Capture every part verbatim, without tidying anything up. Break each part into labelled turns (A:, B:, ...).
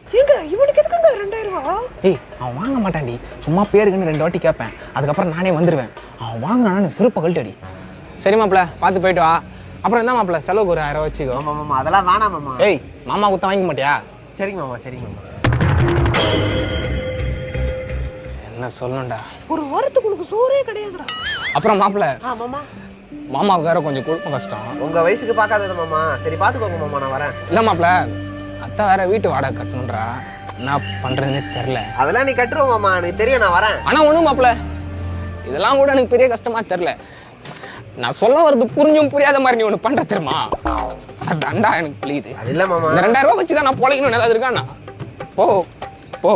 A: ஏங்க இவனுக்கு எதுக்குங்க ரெண்டாயிரம் ரூபா?
B: ஏய் அவன் வாங்க மாட்டான்டி, சும்மா பேருக்குன்னு ரெண்டு வாட்டி கேட்பேன், அதுக்கப்புறம் நானே வந்துடுவேன். அவன் வாங்கினான்னு சிறப்பை கழட்டடி. சரி மாப்பிள்ள, பார்த்து போயிட்டு வா. அப்புறம் என்ன மாப்பிள்ள, செலவுக்கு ஒரு ஆயிரம் வச்சுக்கோ.
A: மாமா மாமா அதெல்லாம் வேணாம் மாமா.
B: ஏய் மாமா குத்த வாங்கிக்க மாட்டியா?
A: சரிங்க மாமா சரிங்க மாமா.
B: என்ன சொல்லணும்டா,
A: ஒரு வாரத்துக்கு உனக்கு சோறே கிடையாதுடா.
B: அப்புறம் மாப்பிள்ள
A: ஆ மாமா,
B: மாமாவுக்கு வேற கொஞ்சம் குழப்பம் கஷ்டம்.
A: உங்க வயசுக்கு பார்க்காதது மாமா. சரி பாத்துக்கோங்க மாமா, நான் வரேன்.
B: இல்லை மாப்பிள்ள, அத்தை வேற வீட்டு வாடகை கட்டணுன்றா, என்ன பண்றதுன்னே தெரில.
A: அதெல்லாம் நீ கட்டுருவோம் மாமா, எனக்கு தெரியும், நான் வரேன்.
B: ஆனா ஒண்ணும் மாப்பிள்ள, இதெல்லாம் கூட எனக்கு பெரிய கஷ்டமா தெரில. நான் சொல்ல வர்றது புரிஞ்சும் புரியாத மாதிரி நீ ஒண்ணு பண்ற தெரியுமா? அதான்டா எனக்கு புரியுது.
A: அது இல்ல மாமா,
B: இந்த ரெண்டாயிரம் ரூபாய் வச்சுதான் நான் பொழைக்கணும் ஏதாவது இருக்காண்ணா. போ போ.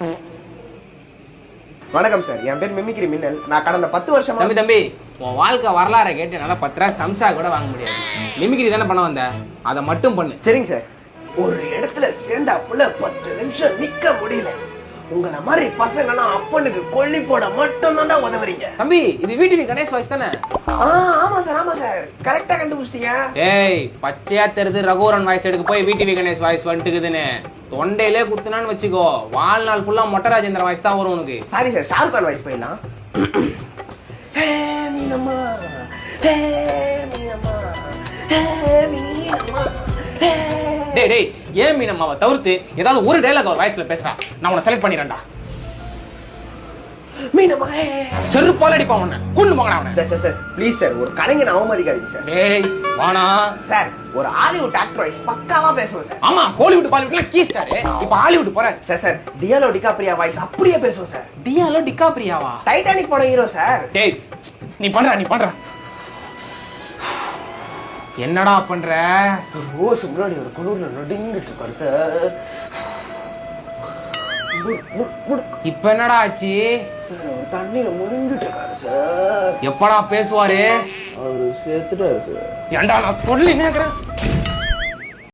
A: வணக்கம் சார், என் பேர் மிமிக்ரி மின்னல். நான் கடந்த பத்து வருஷமா
C: தம்பி தம்பி உன் வாழ்க்கை வரலாறை கேட்டு என்னால பத்து ரூபா சம்சா கூட வாங்க முடியாது. மிமிக்ரி தானே பண்ண வந்த, அதை மட்டும் பண்ணு.
A: சரிங்க சார். ஒரு இடத்துல சேர்ந்தா புள்ள பத்து நிமிஷம் நிக்க முடியல. உங்களை மாதிரி பசங்கலாம் அப்பனுக்கு கொல்லி போட மட்டும் தான் உதவுறீங்க.
C: தம்பி இது வீட்டு கணேஷ் வாய்ஸ் தானே?
A: ஆமா சார் ஆமா சார், கரெக்டா கண்டுபிடிச்சிட்டீங்க.
C: ஏய் பச்சையா தெரிது ரகுவரன் வாய்ஸ் எடுக்க போய் வீட்டு கணேஷ் வாய்ஸ் வந்துட்டுக்குதுன்னு தொண்டையிலே குத்துனான்னு வச்சுக்கோ, வாழ்நாள் ஃபுல்லா மொட்டை ராஜேந்திர வாய்ஸ் தான் வரும் உனக்கு.
A: Sorry sir, Shahrukh Khan voice போயிடலாம். ஹே மீனம்மா, ஹே மீனம்மா, ஹே மீனம்மா, ஹே.
C: டேய் டேய் ஏன் மீனம்மாவை தவிர்த்து ஏதாவது ஒரு டைலாக் ஒரு வாய்ஸ்ல பேசுறா, நான் உன்னை செலக்ட் பண்ணிடுறேன்டா.
A: மீனம்மா, ஹே.
C: செருப்பால அடிப்பான் உன்னை, கொண்டு போங்கடா அவனை.
A: Sir sir sir please sir, ஒரு கலைஞனை அவமதிக்காதீங்க சார்.
C: டேய் வாணா
A: சார், ஒரு ஹாலிவுட் ஆக்டர் வாய்ஸ் பக்காவா பேசுவோம் சார்.
C: ஆமா கோலிவுட் பாலிவுட்லாம் கீஸ்டாரு, இப்ப ஹாலிவுட் போற.
A: சார் சார் டியாலோ டிகாப்ரியா வாய்ஸ் அப்படியே பேசுவோம் சார்.
C: டியாலோ டிகாப்ரியாவா?
A: டைட்டானிக் படம் ஹீரோ சார்.
C: டேய் நீ பண்ற நீ பண்ற என்னடா பண்ற?
A: ஒரு ரோஸ் முன்னாடி ஒரு குளிர்ல நடுங்கிட்டு இருக்காரு சார்.
C: இப்ப என்னடா ஆச்சு?
A: சார் அவர் தண்ணியில முழுங்கிட்டு இருக்காரு சார்.
C: எப்படா பேசுவாரு?
A: அவரு சேர்த்துட்டாரு சார்.
C: ஏண்டா நான் சொல்லி நேக்கிறேன்.